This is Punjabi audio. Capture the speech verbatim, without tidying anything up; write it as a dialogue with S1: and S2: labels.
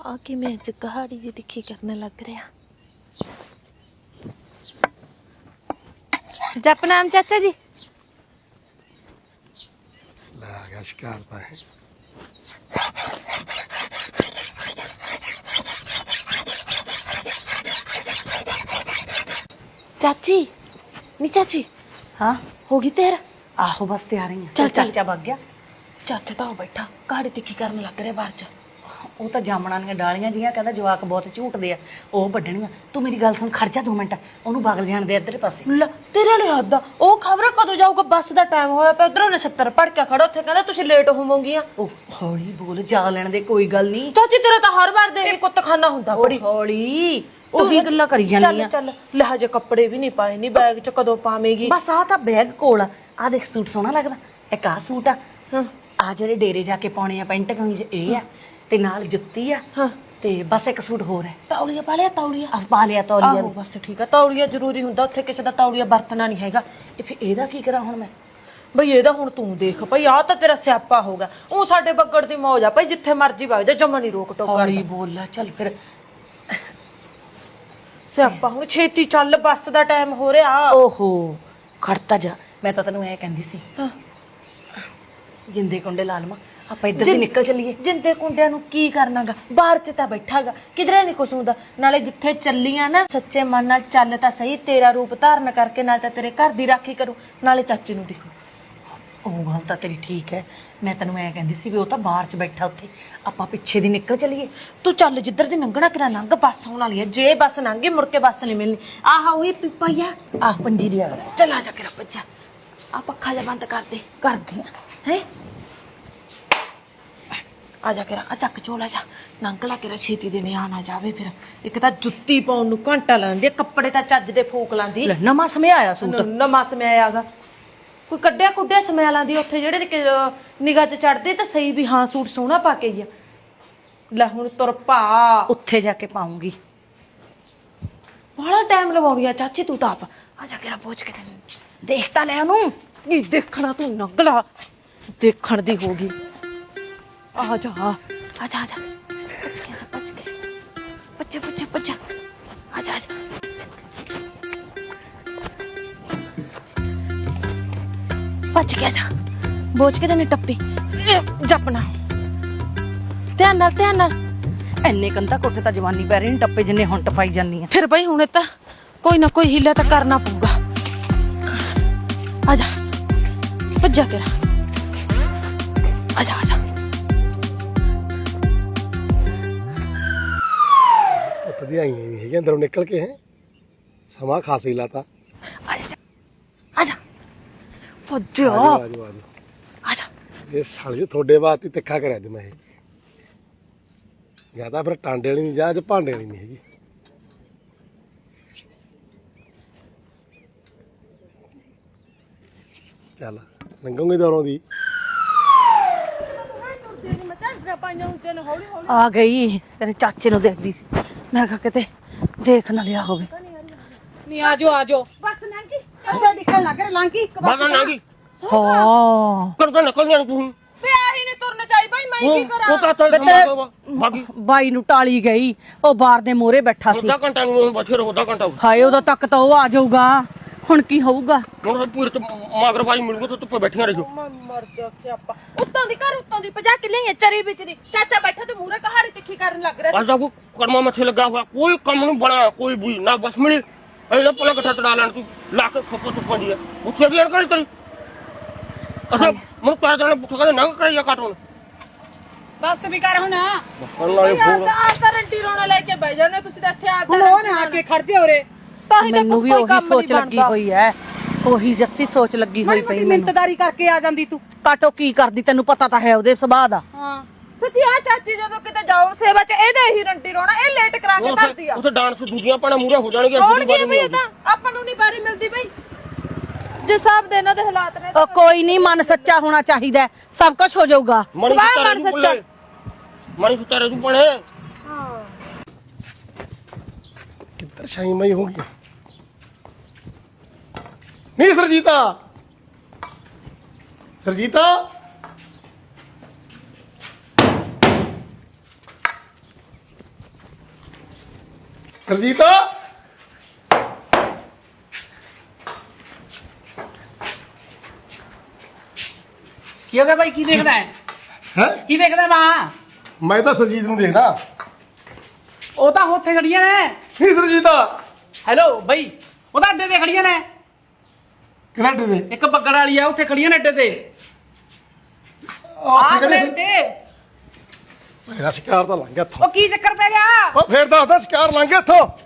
S1: ਆ ਕਿ ਮੈਂ ਅੱਜ ਕਹਾੜੀ ਜੀ ਤਿੱਖੀ ਕਰਨ ਲੱਗ ਰਿਹਾ। ਜਪ ਨਾਮ ਚਾਚਾ ਜੀ।
S2: ਲੈ ਆ ਗਿਆ ਸ਼ਿਕਾਰ ਤਾਂ ਹੈ।
S1: चाची नी चाची
S3: हाँ
S1: होगी तेरा
S3: आहो बस तैयार ही
S1: चल चल
S3: चाचा भाग गया।
S1: चाचा तो बैठा कहाड़ी तिक्खी करन लग रहा बाहर च।
S3: ਉਹ ਤਾਂ ਜਾਮਣਾਂ ਦੀਆਂ ਡਾਲੀਆਂ ਜੀਆਂ ਕਹਿੰਦਾ ਜਵਾਕ ਬਹੁਤ ਝੂਟਦੇ ਆ ਉਹ ਵੱਢਣੀਆਂ। ਤੂੰ ਮੇਰੀ ਗੱਲ ਸੁਣ ਖੜ ਜਾ ਦੋ ਮਿੰਟ ਉਹਨੂੰ ਬਗਲ ਜਾਣ ਦੇ ਇੱਧਰ ਪਾਸੇ।
S1: ਲੈ ਤੇਰੇ ਵਾਲੀ ਹੱਦ ਆ ਉਹ ਖਬਰ ਕਦੋਂ ਜਾਊਗਾ ਬੱਸ ਦਾ ਟਾਈਮ ਹੋਇਆ ਪਿਆ ਉਧਰੋਂ ਨਛੱਤਰ ਭੜ ਕੇ ਖੜਾ ਉੱਥੇ ਕਹਿੰਦਾ ਤੁਸੀਂ ਲੇਟ ਹੋਵੋਗੀਆਂ।
S3: ਉਹ ਹੌਲੀ ਬੋਲ ਜਾ ਲੈਣ ਦੇ ਕੋਈ ਗੱਲ ਨਹੀਂ।
S1: ਚਾਚੀ ਤੇਰਾ ਤਾਂ ਹਰ ਵਾਰ ਦੇ ਕੁੱਤਖਾਨਾ ਹੁੰਦਾ ਬੜੀ
S3: ਹੌਲੀ ਉਹੀ ਗੱਲਾਂ ਕਰੀ ਜਾਂਦੀ ਆ।
S1: ਚੱਲ ਲੈ ਹਜੇ ਕੱਪੜੇ ਵੀ ਨਹੀਂ ਪਾਏ ਨਹੀਂ ਬੈਗ ਚ ਕਦੋਂ ਪਾਵੇਂਗੀ।
S3: ਬਸ ਆ ਤਾਂ ਬੈਗ ਕੋਲ ਆ ਆਹ ਦੇਖ ਸੂਟ ਸੋਹਣਾ ਲੱਗਦਾ ਇੱਕ ਆਹ ਸੂਟ ਆ ਆ ਜਿਹੜੇ ਡੇਰੇ ਜਾ ਕੇ ਪਾਉਣੇ ਆ ਪੈਂਟ ਕਮੀਜ਼ ਇਹ ਆ ਤੇ ਨਾਲ ਜੁੱਤੀ ਆ
S1: ਹਾਂ
S3: ਤੇ ਬਸ ਇੱਕ ਸੂਟ ਹੋਰ ਹੈ।
S1: ਤੌਲੀਆ ਪਾ ਲਿਆ ਤੌਲੀਆ
S3: ਆ ਪਾ ਲਿਆ ਤੌਲੀਆ
S1: ਆਹੋ ਬਸ ਠੀਕ ਆ ਤੌਲੀਆ ਜ਼ਰੂਰੀ ਹੁੰਦਾ ਉੱਥੇ ਕਿਸੇ ਦਾ ਤੌਲੀਆ ਵਰਤਣਾ ਨਹੀਂ ਹੈਗਾ।
S3: ਇਹ ਫਿਰ ਇਹਦਾ ਕੀ ਕਰਾਂ ਹੁਣ ਮੈਂ।
S1: ਬਈ ਇਹਦਾ ਹੁਣ ਤੂੰ ਦੇਖ ਭਈ ਆ ਤਾਂ ਤੇਰਾ ਸਿਆਪਾ ਹੋਗਾ ਉਹ ਸਾਡੇ ਬੱਗੜ ਦੀ ਮੌਜ ਆ ਭਈ ਜਿੱਥੇ ਮਰਜੀ ਵਗ ਜਾ ਜਮਾ ਨਹੀਂ ਰੋਕ ਟੋਕ
S3: ਹੌਲੀ ਬੋਲ ਲੈ ਚੱਲ ਫਿਰ
S1: ਸਿਆਪਾ ਹੁਣ ਛੇਤੀ ਚੱਲ ਬੱਸ ਦਾ ਟਾਈਮ ਹੋ ਰਿਹਾ।
S3: ਓਹੋ ਖੜਤਾ ਜਾ ਮੈਂ ਤਾਂ ਤੈਨੂੰ ਐ ਕਹਿੰਦੀ ਸੀ
S1: ਹਾਂ
S3: ਜਿੰਦੇ ਕੁੰਡੇ ਲਾ ਲਵਾਂ ਆਪਾਂ ਇੱਧਰ ਦੀ ਨਿਕਲ ਚੱਲੀਏ।
S1: ਜਿੰਦੇ ਕੁੰਡਿਆਂ ਨੂੰ ਕੀ ਕਰਨਾਗਾ ਬਾਹਰ ਚ ਤਾਂ ਬੈਠਾਗਾ ਕਿਧਰੇ ਨਹੀਂ ਕੁਛ ਹੁੰਦਾ ਨਾਲੇ ਜਿੱਥੇ ਚੱਲੀਆਂ ਨਾ ਸੱਚੇ ਮਨ ਨਾਲ ਚੱਲ ਤਾਂ ਸਹੀ ਤੇਰਾ ਰੂਪ ਧਾਰਨ ਕਰਕੇ ਨਾਲ ਤਾਂ ਤੇਰੇ ਘਰ ਦੀ ਰਾਖੀ ਕਰੂ ਨਾਲੇ ਚਾਚੇ ਨੂੰ ਦੇਖੋ।
S3: ਉਹ ਗੱਲ ਤਾਂ ਤੇਰੀ ਠੀਕ ਹੈ ਮੈਂ ਤੈਨੂੰ ਐ ਕਹਿੰਦੀ ਸੀ ਵੀ ਉਹ ਤਾਂ ਬਾਹਰ ਚ ਬੈਠਾ ਉੱਥੇ ਆਪਾਂ ਪਿੱਛੇ ਦੀ ਨਿਕਲ ਚੱਲੀਏ।
S1: ਤੂੰ ਚੱਲ ਜਿੱਧਰ ਦੀ ਲੰਘਣਾ ਕਿਰਾ ਲੰਘ ਬੱਸ ਹੋਣ ਵਾਲੀ ਹੈ ਜੇ ਬੱਸ ਲੰਘੀ ਮੁੜ ਕੇ ਬੱਸ ਨਹੀਂ ਮਿਲਣੀ। ਆਹ ਉਹੀ ਪਿੱਪਾ ਹੀ ਆ
S3: ਆਹ ਪੰਜੀ ਦੀ ਆ
S1: ਚੱਲ ਆ ਜਾ ਕੇ ਰੱਪਾ ਆ ਪੱਖਾ ਜਿਹਾ ਬੰਦ ਕਰ ਦੇ
S3: ਕਰਦੀ ਆ
S1: ਹੈ ਆ ਜਾ ਕੇ ਆ ਚੱਕ ਝੋਲਾ ਜਾ ਨੰਗਲਾ ਕੇ ਛੇਤੀ ਦੇ ਨਿਆ ਨਾ ਜਾਵੇ ਫਿਰ ਇੱਕ ਤਾਂ ਜੁੱਤੀ ਪਾਉਣ ਨੂੰ ਘੰਟਾ ਲਾਉਂਦੀ ਕੱਪੜੇ ਤਾਂ ਚੱਜ ਦੇ ਫੂਕ ਲਾਂਦੀ
S3: ਲੈ ਨਵਾਂ ਸਮੇਂ ਆਇਆ ਸੂਟ
S1: ਨਵਾਂ ਸਮਿਆ ਆਗਾ ਕੋਈ ਕੱਢਿਆ ਕੁੱਢਿਆ ਸਮਿਆ ਲਾਂਦੀ ਉੱਥੇ ਜਿਹੜੇ ਨਿਗਾਹ ਚ ਚੜਦੇ ਤਾਂ ਸਹੀ ਵੀ ਹਾਂ ਸੂਟ ਸੋਹਣਾ ਪਾ ਕੇ ਹੀ ਆ। ਲੈ ਹੁਣ ਤੁਰ ਪਾ
S3: ਉੱਥੇ ਜਾ ਕੇ ਪਾਉਂਗੀ
S1: ਬੜਾ ਟਾਈਮ ਲਵਾਉਣੀ ਆ ਚਾਚੀ ਤੂੰ ਤਾਂ ਆਪ ਆ ਜਾ ਕੇ ਰਾ ਪਹੁੰਚ ਕੇ
S3: ਦੇਖ ਤਾਂ ਲੈ ਉਹਨੂੰ
S1: ਕੀ ਦੇਖਣਾ ਤੂੰ ਨੰਗਲਾ ਦੇਖਣ ਦੀ ਹੋ ਗਈ। ਆ ਜਾ ਆ ਜਾ ਆ ਜਾ ਪੱਜ ਕੇ ਪੱਜ ਕੇ ਬੱਚੇ ਬੱਚੇ ਬੱਚਾ ਆ ਜਾ ਆ ਜਾ ਪੱਜ ਕੇ ਆ ਜਾ ਬੋਝ ਕੇ ਤੈਨੂੰ ਟੱਪੀ ਜਪਣਾ ਧਿਆਨ ਨਾਲ ਧਿਆਨ ਨਾਲ
S3: ਐਨੇ ਕੰਧਾ ਕੋਠੇ ਤਾਂ ਜਵਾਨੀ ਪੈ ਰਹੀ ਨੀ ਟੱਪੇ ਜਿੰਨੇ ਹੁਣ ਟਪਾਈ ਜਾਂਦੀ ਆ।
S1: ਫਿਰ ਬਈ ਹੁਣ ਤਾਂ ਕੋਈ ਨਾ ਕੋਈ ਹੀਲਾ ਤਾਂ ਕਰਨਾ ਪਊਗਾ। ਆ ਜਾ ਭੱਜਾ ਕਰ ਆ ਜਾ ਆ ਜਾ
S2: ਉੱਤਦੀਆਂ ਆਈਆਂ ਨਹੀਂ ਹੈਗੀਆਂ ਅੰਦਰੋਂ ਨਿਕਲ ਕੇ ਹੈ ਸਮਾਂ ਖਾਸ ਹੀ ਲਾਤਾ।
S1: ਆ ਜਾ ਆ ਜਾ ਭੱਜਾ
S2: ਆਜੋ ਆਜੋ ਆਜੋ
S1: ਆ ਜਾ
S2: ਇਹ ਸਾਲੇ ਤੁਹਾਡੇ ਬਾਤ ਹੀ ਤਿੱਖਾ ਕਰਿਆ ਅੱਜ ਮੈਂ ਇਹ ਜਾਂ ਤਾਂ ਫਿਰ ਟਾਂਡੇ ਵਾਲੀ ਨਹੀਂ ਜਾਂ ਅੱਜ ਭਾਂਡੇ ਵਾਲੀ ਨਹੀਂ ਹੈਗੀ। ਚੱਲ ਲੰਘੂਗੀ ਦੌਰੋਂ ਦੀ
S3: ਆ ਗਈ ਤੇਰੇ ਚਾਚੇ ਨੂੰ ਦੇਖਦੀ ਸੀ ਮੈਂ ਕਿਹਾ ਕਿਤੇ ਦੇਖ ਨਾ ਲਿਆ ਹੋਵੇ।
S1: ਨਹੀਂ ਆਜੋ ਆਜੋ
S4: ਬਸ ਲੰਗੀ ਕਿਉਂ ਨਿਕਲ ਲੱਗ ਰਿਹਾ ਲੰਗੀ
S5: ਬਸ ਲੰਗੀ
S3: ਹਾਂ
S5: ਕਰ ਕਰ ਨਿਕਲ ਜਾਣ ਤੂੰ
S4: ਵੇ ਆਹੀ ਨਹੀਂ ਤੁਰਨ ਚਾਹੀ ਭਾਈ ਮੈਂ ਕੀ ਕਰਾਂ
S5: ਉਹ ਤਾਂ ਚੱਲ ਬਾਕੀ
S3: ਬਾਈ ਨੂੰ ਟਾਲੀ ਗਈ ਉਹ ਬਾਰ ਦੇ ਮੋਹਰੇ ਬੈਠਾ ਸੀ।
S5: ਅੱਧਾ ਘੰਟਾ ਨੂੰ ਬੈਠੇ ਰਹੋ ਅੱਧਾ ਘੰਟਾ
S3: ਹਾਏ ਉਦੋਂ ਤੱਕ ਤਾਂ ਉਹ ਆ ਜਾਊਗਾ ਹੁਣ ਕੀ ਹੋਊਗਾ।
S5: ਹੁਣ ਪੂਰੇ ਤੇ ਮਾਗਰਵਾਈ ਮਿਲੂਗਾ ਤਾਂ ਧੁੱਪੇ ਬੈਠੀਆਂ ਰਹੋ।
S1: ਮੈਂ ਮਰ ਜਾ ਸਿਆਪਾ
S4: ਉੱਤੋਂ ਦੀ ਘਰ ਉੱਤੋਂ ਦੀ ਭਜਾ ਕੇ ਲਈ ਚਰੀ ਵਿੱਚ ਦੀ ਚਾਚਾ ਬੈਠਾ ਤੇ ਮੂਰੇ ਕਹਾੜੀ ਤਿੱਖੀ ਕਰਨ ਲੱਗ ਰਿਹਾ
S5: ਅੱਜ ਦਾ ਕੋ ਕਰਮਾ ਮੱਥੇ ਲੱਗਾ ਹੋਇਆ ਕੋਈ ਕੰਮ ਨਹੀਂ ਬਣਾ ਕੋਈ ਵੀ ਨਾ ਬਸ ਮਿਲੀ ਇਹਦਾ ਪਲਾ ਇਕੱਠਾ ਤੜਾ ਲੈਣ ਤੂੰ ਲਾ ਕੇ ਖੱਪੋ ਚੁੱਪਾਂ ਦੀ ਉੱਥੇ ਵੀ ਅਣਕਲ ਤੇਰੀ ਅੱਛਾ ਮੈਨੂੰ ਤਾਰ ਜਾਣਾ ਪੁੱਛ ਕੇ ਨਾ ਕਰਿਆ ਕੱਟ ਹੁਣ
S4: ਬਸ ਵੀ ਕਰ ਹੁਣ
S5: ਅੱਲਾ ਇਹ ਫੋਨ
S4: ਆ ਤਾਂ ਰੰਟੀ ਰੋਣਾ ਲੈ ਕੇ ਬਹਿ ਜਾਣੇ ਤੁਸੀਂ ਤਾਂ ਇੱਥੇ ਆ ਤਾਂ ਉਹ ਨਾ ਆ ਕੇ ਖੜ ਜਾ ਉਰੇ ਤਾਂ ਹੀ ਤਾਂ
S3: ਮੈਨੂੰ ਵੀ ਉਹੀ ਸੋਚ ਲੱਗੀ ਹੋਈ ਐ ਉਹੀ ਜੱਸੀ ਸੋਚ ਲੱਗੀ ਹੋਈ ਪਈ ਮੈਨੂੰ।
S4: ਮਿੰਟਦਾਰੀ ਕਰਕੇ ਆ ਜਾਂਦੀ ਤੂੰ
S3: ਕਾਟੋ ਕੀ ਕਰਦੀ ਤੈਨੂੰ ਪਤਾ ਤਾਂ ਹੈ ਉਹਦੇ ਸੁਭਾਅ ਦਾ।
S4: ਹਾਂ ਸੱਚੀ ਆ ਚਾਚੀ ਜਦੋਂ ਕਿਤੇ ਜਾਓ ਸੇਵਾ ਚ ਇਹਦਾ ਹੀ ਰੰਟੀ ਰੋਣਾ ਇਹ ਲੇਟ ਕਰਾ ਕੇ ਕਰਦੀ ਆ
S5: ਉੱਥੇ ਡਾਂਸ ਦੂਜੀਆਂ ਪਾਣਾ ਮੂਰੇ ਹੋ ਜਾਣਗੀਆਂ
S4: ਕੌਣ ਕੀ ਵੀ ਇਹ ਤਾਂ ਆਪਾਂ ਨੂੰ ਨਹੀਂ ਬਾਰੀ ਮਿਲਦੀ ਬਈ ਜੇ ਸਭ ਦੇ ਇਹਨਾਂ ਦੇ ਹਾਲਾਤ ਨੇ
S3: ਉਹ ਕੋਈ ਨਹੀਂ ਮਨ ਸੱਚਾ ਹੋਣਾ ਚਾਹੀਦਾ ਸਭ ਕੁਝ ਹੋ ਜਾਊਗਾ।
S5: ਮਣੀ ਸੁਤਾਰੇ ਤੂੰ ਪੁੱਲੇ ਮਣੀ ਸੁਤਾਰੇ ਤੂੰ ਪਣੇ
S4: ਹਾਂ
S2: ਕਿੱਧਰ ਸ਼ਾਈ ਮਈ ਹੋ ਗਈ ਨਹੀਂ ਸਰਜੀਤਾ ਸਰਜੀਤਾ ਸਰਜੀਤ
S6: ਕੀ ਹੋ ਗਿਆ ਭਾਈ? ਕੀ ਦੇਖਦਾ ਹੈ?
S2: ਹੈ
S6: ਕੀ ਦੇਖਦਾ ਮਾਂ?
S2: ਮੈਂ ਤਾਂ ਸਰਜੀਤ ਨੂੰ ਦੇਖਦਾ।
S6: ਉਹ ਤਾਂ ਉੱਥੇ ਖੜੀਆਂ ਨੇ।
S2: ਨਹੀਂ ਸਰਜੀਤ
S6: ਹੈਲੋ ਬਈ, ਉਹ ਤਾਂ ਅੱਡੇ ਤੇ ਖੜੀਆਂ ਨੇ।
S2: ਕਿਹੜਾ ਅੱਡੇ ਤੇ?
S6: ਇੱਕ ਬੱਗੜ ਵਾਲੀ ਆ, ਉੱਥੇ ਖੜੀਆਂ ਨੇ ਅੱਡੇ ਤੇ।
S2: ਉਹ
S6: ਆਹ
S2: ਕਿਹੜੇ
S6: ਤੇ
S2: ਮੇਰਾ ਸ਼ਿਕਾਰ ਤਾਂ ਲੰਘ ਗਿਆ ਇੱਥੋਂ।
S6: ਉਹ ਕੀ ਚੱਕਰ ਪੈ ਗਿਆ?
S2: ਉਹ ਫੇਰ ਦੱਸਦਾ ਸ਼ਿਕਾਰ ਲੰਘ ਗਿਆ ਇੱਥੋਂ।